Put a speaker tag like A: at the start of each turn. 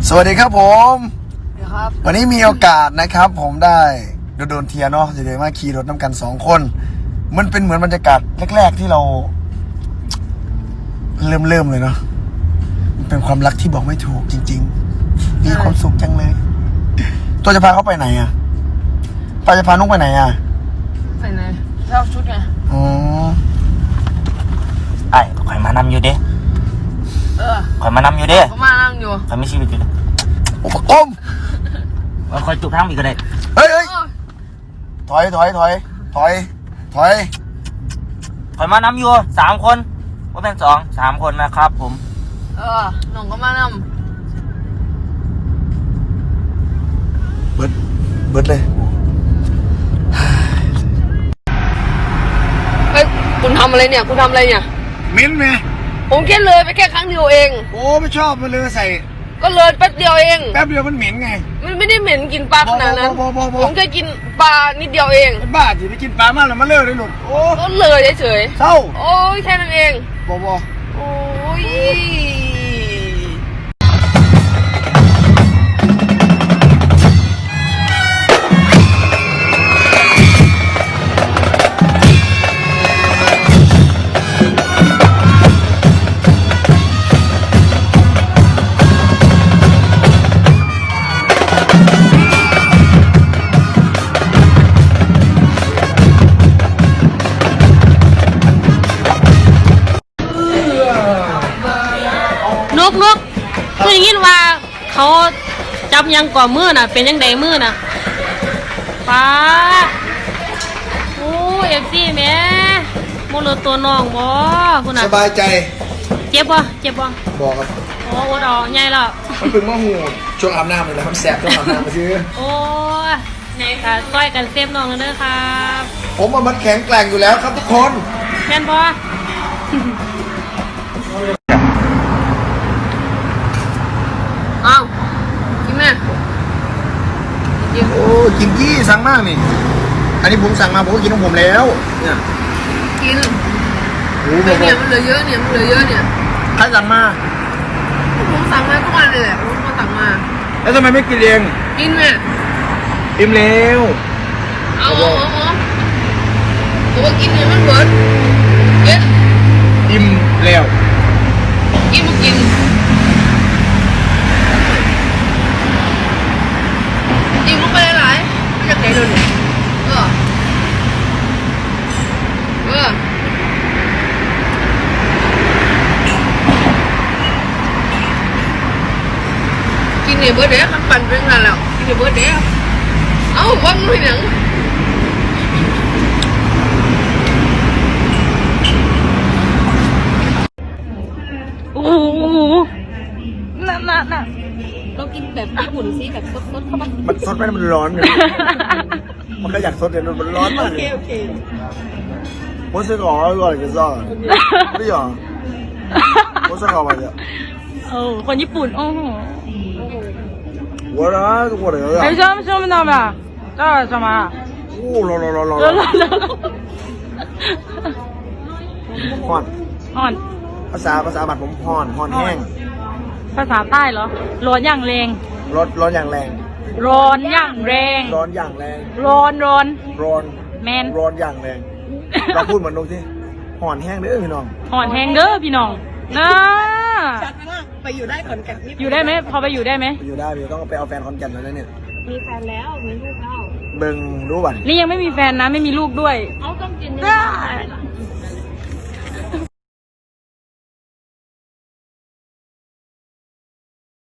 A: สวัสดีครับผม
B: ครับ
A: วันนี้มีโอกาสนะครับผมได้โดนเทียเนาะจะได้มาขี่รถน้ำกัน2 คนมันเป็นเหมือนบรรยากาศแรกๆที่เราเริ่มเลยเนาะมันเป็นความรักที่บอกไม่ถูกจริงๆมีความสุขจังเลยตัวจะพาเขาไปไหนอ่ะป้าจะพานุ๊กไปไหนอ่ะ
B: ไปไหนเช่าชุดไง
A: อ๋อ
C: ไอ้ข่อยมานำอยู่เด้ข่อยมานำอยู่เด้
B: ก็มานั่งอยู่
C: ข่อยมีชีวิตอยู่เด้
A: อุปกรณ์
C: ข่อยจุกทั้งอีกก็ได้
A: เฮ้ยถอยข่
C: อยมานำอยู่3 คนว่าเป็น3 คนนะครับผม
B: น้องก็มานั่ง
A: เบิดเลย
B: เฮ้ยคุณทำอะไรเนี่ย
A: มิ้นไหม
B: ผมแค่เลยไปแค่ครั้งเดียวเอง
A: โอ้ไม่ชอบมันเลยใส่
B: ก็เลยแป๊บเดียวเอง
A: แป๊บเดียวมันเหม็นไง
B: มันไม่ได้เหม็นกินปลาขนาดนั้นผมแค่กินปลานิดเดียวเอง
A: บ้าจีไปกินปลามากแล้วมาเลิกเลยหลุดโอ้
B: ก็เลยเฉย
A: เศร้า
B: โอ้ยแค่นั้นเอง
A: บอ
B: โอ้ย
D: นกคืออย่างนี้ว่าเขาจับยังก่อมือน่ะเป็นยังไงมือน่ะป้าโอ้เอฟซีแม่โมเลตัวน้องบ่คุณน่ะ
A: สบายใจ
D: เจ็บบ่
A: บอกครับ
D: โอ้โหดอกใหญ่แล้ว
A: มันเป็นมะหูช่วงอาบน้ำเลยนะมันแสบช่วงอาบน้ำมาซื้อ
D: โอ้ไหนค่ะต้อยกันเซฟน้องกันเด้อครับ
A: ผมมันแข็งแกร่งอยู่แล้วครับทุกคน
D: แม่นบ่
B: อ้าวกินแม่
A: โอ้กินยี่สั่งมากนี่อันนี้ผมสั่งมาผมก็กินของผมแล้วเนี่ย
B: กินเนี่ยมันเหลือเยอะเนี่ย
A: ใครสั่งมา
B: ผมสั่งมาทุกวันเลยแหละผมก็สั่งมา
A: แล้วทำไมไม่กินเอง
B: กินแม่
A: อิ่มแล้ว
B: เอาผมว่ากินเนี่ยมันเบิร์ดเย็น
A: อิ่มแล้ว
B: กินมากินอิ่มลงไปหลายๆไม่จะไหนโดนกินเนี่ยเบิร์ดเด้มันปั่นไปตั้งนานแล้วกินเนี่ยเบิร์ดเด้เอ้าวังหน่อยหนัง
D: โอ้โหน่ะเรากินแบบญี่ปุ่นสิแบบสดๆเข้ามา
A: มันสดไหมมันร้อนเลยมันก็อยากสดเลยมันร้อนมาก
D: โอเค
A: 我是搞二个你知道对呀我是搞嘛的
D: คนญี่ปุ่นโอ้โห
A: 我的
D: 还什么到没这什么
A: ฮ้อนภาษาบัตรผมฮ้อนแห้ง
D: ภาษาใต้เหรอร้อนอย่างแรง
A: ร้อนอย่างแรง
D: ร้อนอย่างแรงแมน
A: ร้อนอย่างแรงเราพูดเหมือนนกที่ห่อนแห้งเด้อพี่น้อง
D: ห่อนแห้งเด้อพี่น้องนะ
B: ชัดมากไปอยู่ได้ขอนแก่น
D: อยู่ได้ไหมพอไปอยู่ได้ไหม
A: อยู่ได้พี่ต้องไปเอาแฟนขอนแก่นแล้วเนี่ย
B: มีแฟนแล้วมีลูกแล้ว
A: เบิ่งรู้ป่ะ
D: นี่ยังไม่มีแฟนนะไม่มีลูกด้วย
B: เอาต้องกินได้